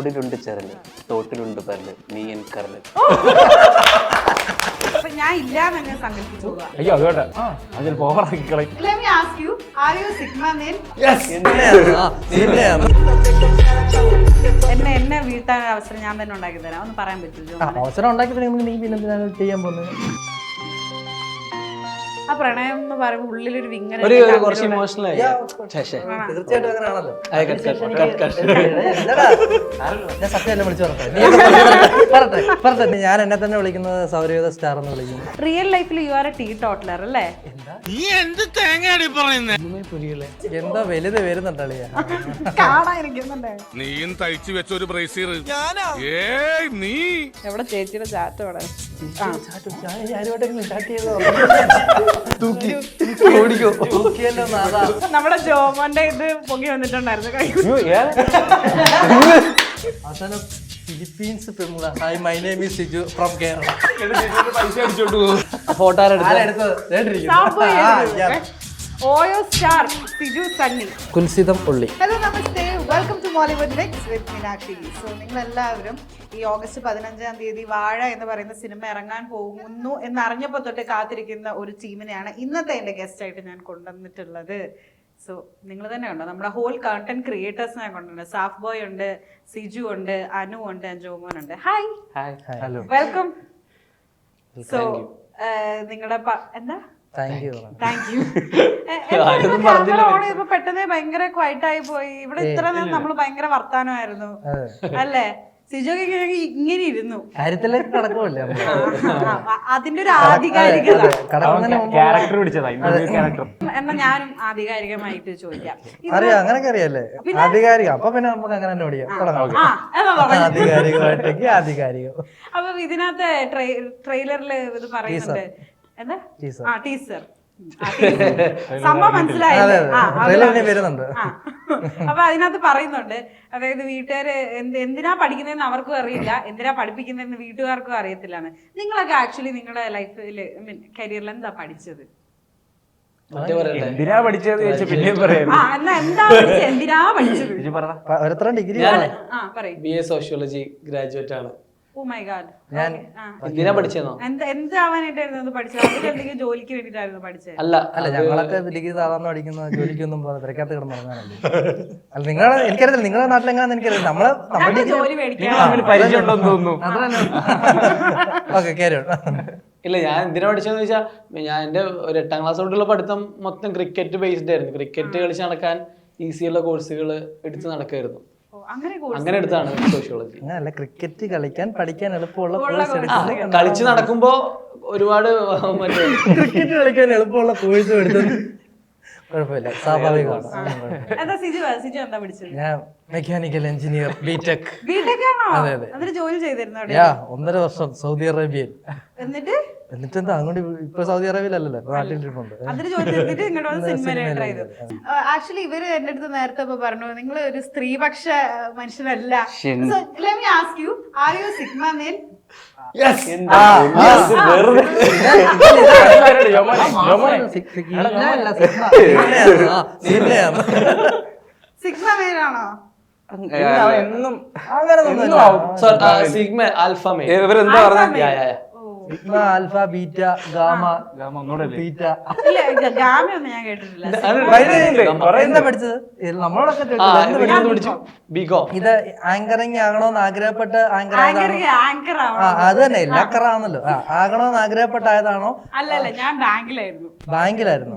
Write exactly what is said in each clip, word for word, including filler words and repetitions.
തോടിലുണ്ട് ചരല്, തോട്ടിലുണ്ട് പരല്, നീ എൻ കരല്. ഞാൻ ഇല്ലാന്ന് സങ്കല്പിച്ചു. അയ്യോ അതുകൊണ്ട് ആ അതിൽ പോകറാക്കി കളയും. എന്നെ എന്നെ വീഴ്ത്താൻ അവസരം ഞാൻ തന്നെ ഉണ്ടാക്കി തരാം. ഒന്ന് പറയാൻ പറ്റുമോ? അവസരം ഉണ്ടാക്കി നീ പിന്നെ ചെയ്യാൻ പോകുന്നത് ആ പ്രണയം എന്ന് പറയുമ്പോൾ ഉള്ളിലൊരു വിങ്ങൽ, കുറച്ച് ഇമോഷണൽ ആയി. തീർച്ചയായിട്ടും അങ്ങനെയാണല്ലോ. ഞാൻ സത്യമല്ല വിളിച്ചു പറഞ്ഞേ. ഞാൻ എന്നെ തന്നെ വിളിക്കുന്നത് സൗരയൂഥ സ്റ്റാർ എന്ന് വിളിക്കും. റിയൽ ലൈഫിൽ you are a teetotaller അല്ലേ? എന്താ വലുത് വരുന്നുണ്ടളിയാ നീയും തയ്ച്ചു വെച്ച ഒരു ബ്രേസിയർ നീ എവിടെ ചേച്ചിയുടെ ചാറ്റ് അവിടെ നമ്മുടെ ജോമോന്റെ ഇത് പൊങ്ങി വന്നിട്ടുണ്ടായിരുന്നു. അവസാനം ഫിലിപ്പീൻസ് പെൺപിള്ള. Hi my name is Siju from Kerala. പൈസ അടിച്ചോണ്ട് പോകും. ഫോട്ടോ ഓയോ സ്റ്റാർ സിജു സണ്ണി. കുൽസിതം പുള്ളി. Hello namaste, welcome to Mollywood mix with Meenakshi. So നിങ്ങളെല്ലാവരും ഈ ഓഗസ്റ്റ് പതിനഞ്ചാം തീയതി വാഴ എന്ന് പറയുന്ന സിനിമ ഇറങ്ങാൻ പോകുന്നു എന്നറിഞ്ഞപ്പോൾ തൊട്ട് കാത്തിരിക്കുന്ന ഒരു ടീമിനെയാണ് ഇന്നത്തെ എൻ്റെ ഗസ്റ്റ് ആയിട്ട് ഞാൻ കൊണ്ടുവന്നിട്ടുള്ളത്. സോ നിങ്ങൾ തന്നെ ഉണ്ടോ, നമ്മുടെ ഹോൾ കണ്ടന്റ് ക്രിയേറ്റേഴ്സിനെ കൊണ്ടുണ്ട്. സാഫ് ബോയ് ഉണ്ട്, സിജു ഉണ്ട്, അനു ഉണ്ട്, ജോമോൻ ഉണ്ട്. Hi, hello, welcome. സോ നിങ്ങളുടെ എന്താ താങ്ക് യു താങ്ക് യു. ഇപ്പൊ പെട്ടെന്ന് ഭയങ്കര ക്വൈറ്റ് ആയി പോയി. ഇവിടെ ഇത്ര നേരം നമ്മള് ഭയങ്കര വർത്താനമായിരുന്നു അല്ലേ? സിജോക്ക് ഇങ്ങനെ ഇരുന്നു. കാര്യത്തിലേക്ക് കടക്കുമല്ലേ അതിന്റെ ഒരു ആധികാരികത. എന്നാ ഞാനും ആധികാരികമായിട്ട് ചോദിക്കാം. അറിയാം, അങ്ങനൊക്കെ അറിയാല്ലേ ആധികാരികം. അപ്പൊ പിന്നെ നമുക്ക് അങ്ങനെ തന്നെ ഓടിക്കാം. ആധികാരികമായിട്ടേക്ക് ആധികാരികം. അപ്പൊ ഇതിനകത്ത് ട്രെയിലറിൽ ഇത് പറയുന്നുണ്ട് എന്താ ആ ടീസർ സംഭവം മനസ്സിലായില്ലേ? വരുന്നുണ്ട്. അപ്പൊ അതിനകത്ത് പറയുന്നുണ്ട്, അതായത് വീട്ടുകാര് എന്ത് എന്തിനാ പഠിക്കുന്നതെന്ന് അവർക്കും അറിയില്ല, എന്തിനാ പഠിപ്പിക്കുന്നതെന്ന് വീട്ടുകാർക്കും അറിയത്തില്ലാണ്. നിങ്ങളൊക്കെ ആക്ച്വലി നിങ്ങളുടെ ലൈഫില് മീൻ കരിയറിൽ എന്താ പഠിച്ചത്? എന്തിനാ പഠിച്ചത് ചോദിച്ചാൽ പിന്നെയും പറയാം. ആ എന്നാ എന്താ പഠിച്ചത്, എന്തിനാ പഠിച്ചത്? ഓരോരുത്തരും ഡിഗ്രി ആ പറയും. ബി എ സോഷ്യോളജി ഗ്രാജുവേറ്റ് ആണ്. Oh my God. ഞാൻ എന്തിനാ പഠിച്ചെന്നോ? എന്താ എന്താവാനായിട്ടായിരുന്നു പഠിച്ചത്? അതിലെന്തെങ്കിലും ജോലിക്ക് വേണ്ടിട്ടായിരുന്നു പഠിച്ചത്? അല്ല അല്ല ഞങ്ങളൊക്കെ ഡിഗ്രി സാധാരണ പഠിക്കുന്ന ജോലിക്കൊന്നും തിരക്കകത്ത് കിടന്ന് ഇറങ്ങാനല്ലേ. അല്ല നിങ്ങളെ എനിക്കറിയില്ല, നിങ്ങളുടെ നാട്ടിലെങ്ങാന്ന് എനിക്കറിയില്ല. നമ്മള് നമ്മുടെ ജോലി മേടിക്കാൻ ഓക്കെ കേരള. ഇല്ല, ഞാൻ എന്തിനാ പഠിച്ചതെന്ന് വെച്ചാൽ ഞാൻ എൻ്റെ ഒരു എട്ടാം ക്ലാസ് തൊട്ടുള്ള പഠിത്തം മൊത്തം ക്രിക്കറ്റ് ബേസ്ഡ് ആയിരുന്നു. ക്രിക്കറ്റ് കളിച്ച് നടക്കാൻ ഈസിയുള്ള കോഴ്സുകൾ എടുത്ത് നടക്കായിരുന്നു. അങ്ങനെ എടുത്താണ് സോഷ്യോളജി. അങ്ങനല്ല, ക്രിക്കറ്റ് കളിക്കാൻ പഠിക്കാൻ എളുപ്പമുള്ള കളിച്ച് നടക്കുമ്പോ ഒരുപാട് മറ്റേ ക്രിക്കറ്റ് കളിക്കാൻ എളുപ്പമുള്ള കോഴ്സ് എടുത്തത് കുഴപ്പമില്ല, സ്വാഭാവികമാണ്. ഞാൻ മെക്കാനിക്കൽ എഞ്ചിനീയർ ബിടെക്. അതെ അതെ. ജോലി ചെയ്തിരുന്നു ഒന്നര വർഷം സൗദി അറേബ്യയിൽ. എന്നിട്ട് എന്നിട്ട് എന്താ അങ്ങോട്ട് ഇപ്പൊ സൗദി അറേബ്യയിലല്ലോ, നാട്ടിലിരിപ്പുണ്ട്. ആക്ച്വലി ഇവര് എന്റെ അടുത്ത് നേരത്തെ പറഞ്ഞു നിങ്ങൾ ഒരു സ്ത്രീപക്ഷ മനുഷ്യനല്ല. സിഗ്മ മേലാണോ? എന്നും സിഗ്മ ആൽഫ മെയിൽ. ഇവരെന്താ പറഞ്ഞ sigma alpha beta gamma beta. ഞാൻ കേട്ടിട്ടില്ല. എന്താ പഠിച്ചത്? നമ്മളോടൊക്കെ ഇത് ആങ്കറിങ് ആകണോന്ന് ആഗ്രഹപ്പെട്ട് ആങ്കർ അത് തന്നെ ലാക്കറാണല്ലോ. ആകണോന്ന് ആഗ്രഹപ്പെട്ടായതാണോ? അല്ലല്ല, ഞാൻ ബാങ്കിലായിരുന്നു. ബാങ്കിലായിരുന്നോ?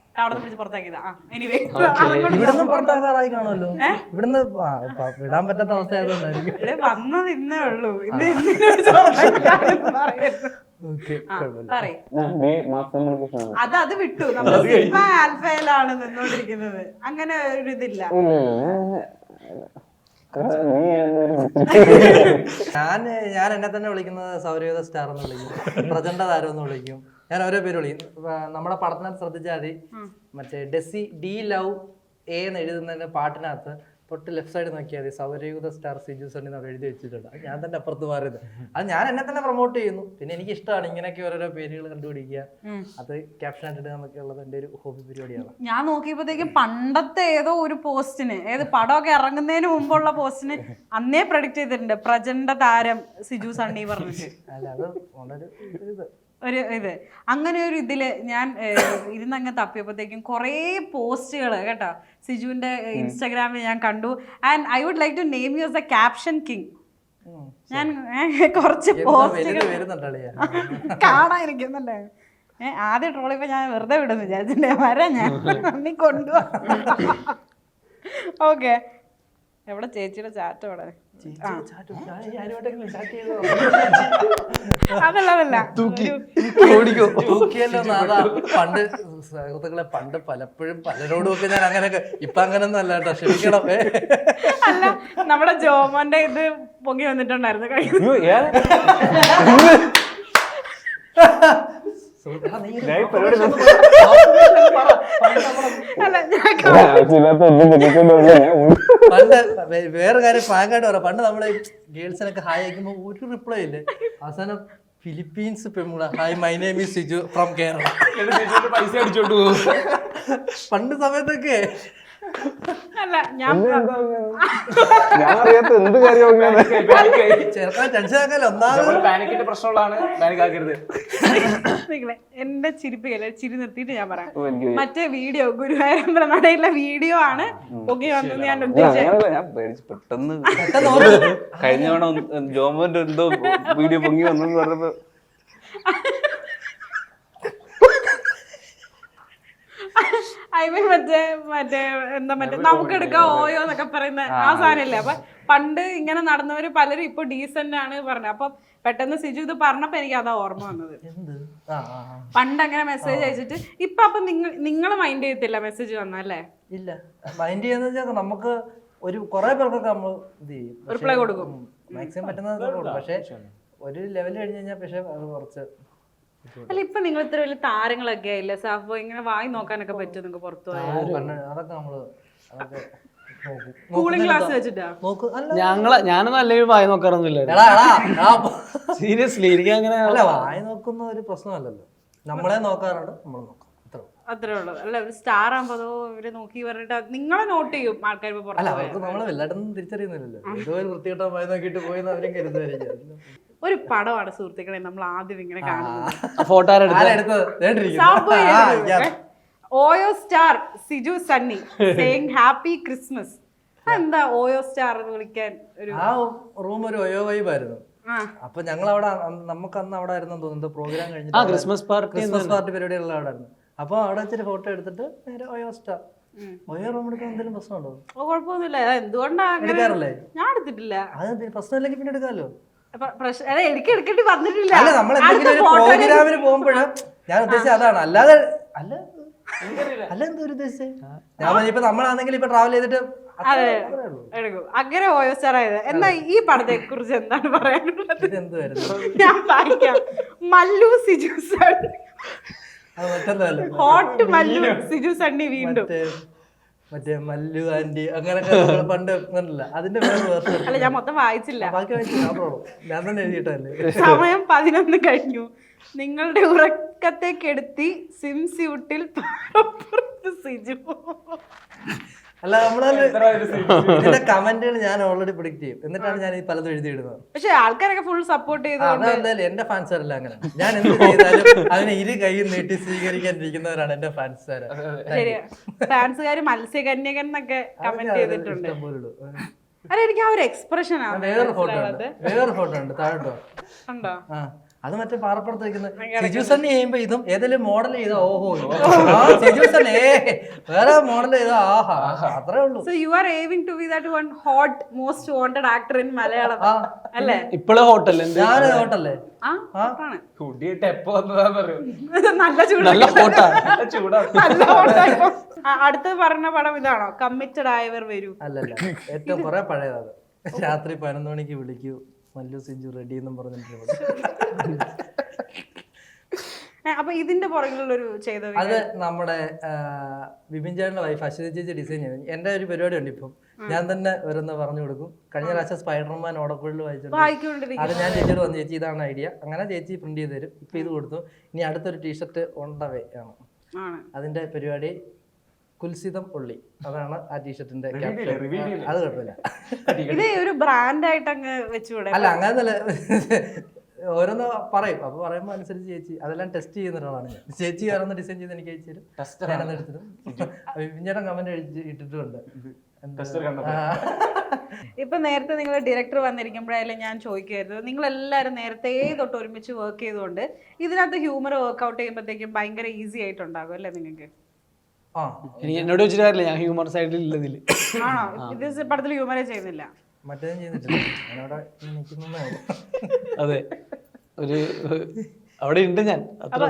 ഇവിടുന്ന് പുറത്താക്കാറായി കാണുമല്ലോ. ഇവിടുന്ന് വിടാൻ പറ്റാത്ത അവസ്ഥ ആയതുകൊണ്ടായിരിക്കും. വന്നത് ഇന്നേ ഉള്ളൂ. അത് അത് വിട്ടു. നമ്മൾ സിഗ്മ ആൽഫയിലാണ് നിന്നോണ്ടിരിക്കുന്നത്. അങ്ങനെ ഒരു ഇതില്ല. ഞാൻ ഞാൻ എന്നെ തന്നെ വിളിക്കുന്നത് സൗരയൂഥ സ്റ്റാർ എന്ന് വിളിക്കും, പ്രചണ്ഡ താരം എന്ന് വിളിക്കും. ഞാൻ ഓരോ പേര് വിളിക്കും. നമ്മുടെ പഠനത്തിൽ ശ്രദ്ധിച്ചാൽ മതി, മറ്റേ ഡെസി ഡി ലവ് എ എന്ന് എഴുതുന്നതിന്റെ പാട്ടിനകത്ത് തൊട്ട് ലെഫ്റ്റ് സൈഡ് നോക്കിയാൽ മതി സൗരയൂഥ സ്റ്റാർ സിജു സണ്ണി അവിടെ എഴുതി വെച്ചിട്ടുണ്ട്. അത് ഞാൻ തന്നെ അപ്പുറത്ത് മാറിയത്. അത് ഞാൻ എന്നെ തന്നെ പ്രൊമോട്ട് ചെയ്യുന്നു. പിന്നെ എനിക്ക് ഇഷ്ടമാണ് ഇങ്ങനെയൊക്കെ ഓരോരോ പേരുകൾ കണ്ടുപിടിക്കുക, അത് ക്യാപ്ഷൻ ആയിട്ട് എന്നൊക്കെ ഉള്ളത് എൻ്റെ ഒരു ഹോബി പരിപാടിയാണ്. ഞാൻ നോക്കിയപ്പോഴത്തേക്കും പണ്ടത്തെ ഏതോ ഒരു പോസ്റ്റിന്, ഏത് പടമൊക്കെ ഇറങ്ങുന്നതിന് മുമ്പുള്ള പോസ്റ്റിന് അന്നേ പ്രഡിക്റ്റ് ചെയ്തിട്ടുണ്ട് പ്രചണ്ഡ താരം സിജു സണ്ണി പറഞ്ഞിട്ട്. അല്ല അത് വളരെ ഇത് ഒരു ഇത് അങ്ങനെ ഒരു ഇതില് ഞാൻ ഇരുന്നങ്ങ് തപ്പിയപ്പോഴത്തേക്കും കുറേ പോസ്റ്റുകൾ കേട്ടോ സിജുവിന്റെ ഇൻസ്റ്റാഗ്രാമിൽ ഞാൻ കണ്ടു. And I would like to name you as the caption king. ഞാൻ കുറച്ച് പോസ്റ്റുകൾ കാണാതിരിക്കുന്നുണ്ട്. ഏഹ് ആദ്യം ട്രോളിപ്പോ ഞാൻ വെറുതെ വിടുന്നു വിചാരിച്ചില്ലേ, വരാം ഞാൻ നീ കൊണ്ടുപോവാ. ഓക്കെ, എവിടെ ചേച്ചിയുടെ ചാറ്റ് അവിടെ? അതല്ല പണ്ട് സുഹൃത്തുക്കളെ പണ്ട് പലപ്പോഴും പലരോടും ഒക്കെ ഞാൻ അങ്ങനെയൊക്കെ, ഇപ്പൊ അങ്ങനൊന്നും അല്ല കേട്ടോ, ക്ഷമിക്കണം. അല്ല, നമ്മുടെ ജോമോന്റെ ഇത് പൊങ്ങി വന്നിട്ടുണ്ടായിരുന്നു കഴിഞ്ഞു. പണ്ട് വേറെ കാര്യം ഫ്രാങ്കായിട്ട് പറയാം, പണ്ട് നമ്മള് ഗേൾസിനൊക്കെ ഹായ് അയക്കുമ്പോ ഒരു റിപ്ലൈ ഇല്ലേ, അവസാനം ഫിലിപ്പീൻസ് പെൺകുള hi my name is Siju from Kerala പൈസ അടിച്ചോണ്ട് പോകും പണ്ട് സമയത്തൊക്കെ. അല്ല ഞാൻ ചെറുക്കാൻ ടെൻഷൻ ആക്കാല്ലോ, ഒന്നാമത് പാനിക്കിന്റെ പ്രശ്നമുള്ളതാണ്, പാനിക് ആക്കരുത്. എന്റെ ചിരിപ്പിക്കല്ലേ, ചിരി നിർത്തിയിട്ട് ഞാൻ പറയാം. മറ്റേ വീഡിയോ ഗുരുവായൂരമ്പല നടയിലെ വീഡിയോ ആണ് പൊങ്ങി വന്നത് ഞാൻ ഉദ്ദേശിച്ചത്. ഞാൻ പേടിച്ചു പെട്ടെന്ന് കഴിഞ്ഞ തവണ ജോമോന്റെ എന്തോ വീഡിയോ പൊങ്ങി വന്നെന്ന് പറഞ്ഞപ്പോ ഐ മീൻ മറ്റേ മറ്റേ എന്താ മറ്റേ നമുക്കെടുക്കാം ഓയോ എന്നൊക്കെ പറയുന്ന ആ സാധനല്ലേ. അപ്പൊ പണ്ട് ഇങ്ങനെ നടന്നവര് പലരും ഇപ്പൊ ഡീസന്റ് ആണ് പറഞ്ഞത്. അപ്പൊ പെട്ടെന്ന് സിജു ഇത് പറഞ്ഞപ്പോ എനിക്ക് അതാ ഓർമ്മ വന്നത്. പണ്ട് അങ്ങനെ മെസ്സേജ് അയച്ചിട്ട് ഇപ്പൊ അപ്പൊ നിങ്ങൾ നിങ്ങൾ മൈൻഡ് ചെയ്യത്തില്ല മെസ്സേജ് വന്നല്ലേ? ഇല്ല, മൈൻഡ് ചെയ്യാന്ന് വെച്ചാൽ നമുക്ക് ഒരു കുറെ പേർക്കൊക്കെ നമ്മൾ ഇത് ചെയ്യും, റിപ്ലൈ കൊടുക്കും, മാക്സിമം പറ്റുന്നത് കൊടുക്കും. പക്ഷെ ഒരു ലെവൽ കഴിഞ്ഞ് കഴിഞ്ഞാൽ പക്ഷെ അത് കുറച്ച്. അല്ല ഇപ്പൊ നിങ്ങൾ ഇത്ര വലിയ താരങ്ങളൊക്കെ ആയില്ലേ സാഫോ, ഇങ്ങനെ വായി നോക്കാനൊക്കെ പറ്റും നിങ്ങൾക്ക് പുറത്തു പോയാൽ? അതൊക്കെ നമ്മള് കൂളിംഗ് ഗ്ലാസ് വെച്ചിട്ടാ ഞങ്ങളെ ഞാനൊന്നും അല്ലെങ്കിൽ വായി നോക്കാറൊന്നുമില്ല സീരിയസ്ലി. എനിക്ക് അങ്ങനെ അല്ല, വായി നോക്കുന്ന ഒരു പ്രശ്നമല്ലല്ലോ, നമ്മളെ നോക്കാറുണ്ട്, നമ്മൾ നോക്കാം, അത്രേ ഉള്ളൂ. അല്ല ഒരു സ്റ്റാർ ആകുമ്പോ അതോ ഇവര് നോക്കി പറഞ്ഞിട്ട് നിങ്ങളെ നോട്ട് ചെയ്യും ആൾക്കാർ. അല്ല, അവർക്ക് നമ്മളെ വല്ലായിട്ടൊന്നും തിരിച്ചറിയുന്നില്ലല്ലോ, ഏതോ ഒരു വൃത്തികെട്ട വായി നോക്കിയിട്ട് പോയെന്ന് അവരും കരുതുമായിരിക്കും. ഒരു പടമാണ് സുഹൃത്തുക്കളെ നമ്മൾ ആദ്യം ഇങ്ങനെ കാണുന്നത്. ഫോട്ടോ ഓയോ star Siju Sunny saying happy Christmas. എന്താ ഓയോ സ്റ്റാർ എന്ന് വിളിക്കാൻ? ഒരു ആ റൂം ഒരു ഒയോ വൈബായിരുന്നു. അപ്പൊ ഞങ്ങൾ അവിടെ നമുക്ക് അന്ന് അവിടെ ആയിരുന്നു തോന്നുന്നു പ്രോഗ്രാം കഴിഞ്ഞിട്ട് ക്രിസ്മസ് പാർട്ടി ക്രിസ്മസ് പാർട്ടി പരിപാടികളുടെ അവിടെ ആയിരുന്നു. അപ്പൊ അവിടെ വെച്ചിട്ട് ഫോട്ടോ എടുത്തിട്ട് നേരെ ഒയോ സ്റ്റാർ ഒയോ റൂം എടുക്കാൻ എന്തെങ്കിലും പ്രശ്നമുണ്ടോ? കുഴപ്പമൊന്നുമില്ല. എന്തുകൊണ്ടാ എടുക്കാറില്ലേ? ഞാൻ എടുത്തിട്ടില്ല. അത് പ്രശ്നമില്ലെങ്കിൽ പിന്നെ എടുക്കാമല്ലോ. എനിക്ക് എടുക്കേണ്ടി വന്നിട്ടില്ല. അല്ല, നമ്മൾ എന്തെങ്കിലും ഒരു പ്രോഗ്രാമിന് പോകുമ്പോഴും ഞാൻ ഉദ്ദേശിച്ചത് അതാണ്. അല്ലാതെ അല്ല അല്ല എന്താ ഒരു ഉദ്ദേശിച്ചത്? ഞാൻ ഇപ്പൊ നമ്മളാണെങ്കിൽ ഇപ്പൊ ട്രാവൽ ചെയ്തിട്ട് എടുക്കും അങ്ങനെ ഓയോ സ്റ്റാർ ആയത്. എന്നാ ഈ പടത്തെ കുറിച്ച് എന്താണ് പറയാനുള്ളത്? എന്തുവായിരുന്നു? ഞാൻ വായിക്കാം. മല്ലു സിജു സണ്ണി, ഹോട്ട് മല്ലു സിജു സണ്ണി വീണ്ടും മറ്റേ മല്ലു ആന്റി അങ്ങനൊക്കെ പണ്ട് കണ്ടില്ല, അതിന്റെ വേറെ വേർഷൻ. അല്ല ഞാൻ മൊത്തം വായിച്ചില്ല, ബാക്കി വായിച്ചു, ഞാൻ തന്നെ എഴുതിയിട്ടല്ലേ. സമയം പതിനൊന്ന് കഴിഞ്ഞു. നിങ്ങളുടെ ഉറക്കത്തെ കെടുത്തി സിം സ്യൂട്ടിൽ സിജു. അല്ല, നമ്മളെ കമന്റുകൾ ഞാൻ ഓൾറെഡി പ്രിഡിക്റ്റ് ചെയ്യും, എന്നിട്ടാണ് ഞാൻ ഈ പലതും എഴുതിയിടുന്നത്. പക്ഷെ ആൾക്കാരൊക്കെ ഫുൾ സപ്പോർട്ട് ചെയ്തു. എന്തായാലും എന്റെ ഫാൻസുകാരല്ല അങ്ങനെ, ഞാൻ എന്ത് ചെയ്താലും അതിനെ ഇരു കൈ നീട്ടി സ്വീകരിക്കാനിരിക്കുന്നവരാണ് എന്റെ ഫാൻസുകാർ. ശരിയാ, ഫാൻസുകാര് മത്സ്യകന്യകൻ എന്നൊക്കെ കമന്റ് ചെയ്തിട്ടുണ്ട്. അല്ല എനിക്ക് ആ ഒരു എക്സ്പ്രഷൻ ആണ്. വേറൊരു ഫോട്ടോ ഉണ്ട്, വേറൊരു ഫോട്ടോ ഉണ്ട് താഴോട്ടോ ഉണ്ടോ? ആ, അത് മറ്റേ പാറപ്പുറത്ത് വെക്കുന്നത് സിജു സണ്ണി ചെയ്യുമ്പോ ഇതും ഏതെങ്കിലും മോഡൽ ചെയ്ത ഓഹോ സിജു സണ്ണി വേറെ മോഡൽ ചെയ്ത ആഹാ, അത്രേ ഉള്ളൂ. So you are aiming to be that one hot most wanted actor in Malayalam അല്ലേ? ഇപ്പോഴും ഹോട്ടല്ലേ? ഞാൻ ഹോട്ടല്ലേ? ആ ആണ്. കുടിയിട്ട് എപ്പോ വന്നതാന്ന് നല്ല ചൂടാ, നല്ല ഹോട്ടാ, ചൂടാ, നല്ല ഹോട്ടാ. അടുത്തത് പറഞ്ഞ പടം ഇതാണോ? കമ്മിറ്റഡ് ആയവർ വരൂ? അല്ലല്ല, ഏറ്റവും കുറെ പഴയതാണ്. രാത്രി പതിനൊന്ന് മണിക്ക് വിളിക്കൂ മല്ലു സിജു റെഡി എന്നും പറഞ്ഞിട്ടുണ്ട്. അപ്പൊ ഇതിന്റെ പുറകിലുള്ളൊരു ചെയ്ത അത് നമ്മുടെ ആ, വിപിൻ ചേട്ടന്റെ വൈഫ് അശ്വതി ചേച്ചി ഡിസൈൻ ചെയ്തു. എന്റെ ഒരു പരിപാടി ഉണ്ട് ഇപ്പം, ഞാൻ തന്നെ ഓരോന്ന് പറഞ്ഞു കൊടുക്കും. കഴിഞ്ഞ പ്രാവശ്യം സ്പൈഡർമാൻ ഓടക്കുള്ളിൽ വായിച്ചിട്ടുണ്ട്. വായിക്കൊണ്ടിരിക്കും. അത് ഞാൻ ചേച്ചിയോട് വന്നു, ചേച്ചി ഇതാണ് ഐഡിയ, അങ്ങനെ ചേച്ചി പ്രിന്റ് ചെയ്ത് തരും. ഇപ്പൊ ഇത് കൊടുത്തു. ഇനി അടുത്തൊരു ടീഷർട്ട് ഉണ്ടവേ ആണ്, ആണ്. അതിന്റെ പരിപാടി കുൽസിതം ഉള്ളി, അതാണ് ആ ടീഷർട്ടിന്റെ ക്യാപ്ഷൻ. അത് കുഴപ്പമില്ല. ഇത് ഒരു ബ്രാൻഡായിട്ട് അങ്ങ് വെച്ചുകൂടെ? അല്ല അങ്ങനല്ല, ഓരോന്ന് പറയും, അപ്പൊ പറയുമ്പോ അനുസരിച്ച് ചേച്ചി അതെല്ലാം ടെസ്റ്റ് ചെയ്യുന്ന ഒരാളാണ് ഞാൻ. ചേച്ചി ഓരോന്ന് ഡിസൈൻ ചെയ്ത് എനിക്ക് അയച്ചു തരും, ഞാനൊന്ന് എടുത്തിടും. വിപിൻചേട്ടൻ കമന്റ് ഇട്ടിട്ടുണ്ട്. ആ. ഇപ്പൊ നേരത്തെ നിങ്ങൾ ഡയറക്ടർ വന്നിരിക്കുമ്പോഴായാലും ഞാൻ ചോദിക്കുമായിരുന്നു, നിങ്ങൾ എല്ലാവരും നേരത്തെ തൊട്ട് ഒരുമിച്ച് വർക്ക് ചെയ്തുകൊണ്ട് ഇതിനകത്ത് ഹ്യൂമർ വർക്ക്ഔട്ട് ചെയ്യുമ്പോഴത്തേക്കും ഭയങ്കര ഈസി ആയിട്ടുണ്ടാകും അല്ലേ നിങ്ങൾക്ക്? ആ എനിക്ക് എന്നോട് വെച്ചിട്ട് കാര്യമില്ല, ഞാൻ ഹ്യൂമർ സൈഡിൽ ഇല്ലതിൽ. ആണോ? ഇത് പടത്തിൽ ഹ്യൂമറേ ചെയ്യുന്നില്ല? മറ്റേതും ചെയ്തിട്ടില്ല, ഞാനവിടെ നിൽക്കുന്നേ ഉള്ളൂ. അതെ, ഒരു അവിടെ ഉണ്ട് ഞാൻ അത്ര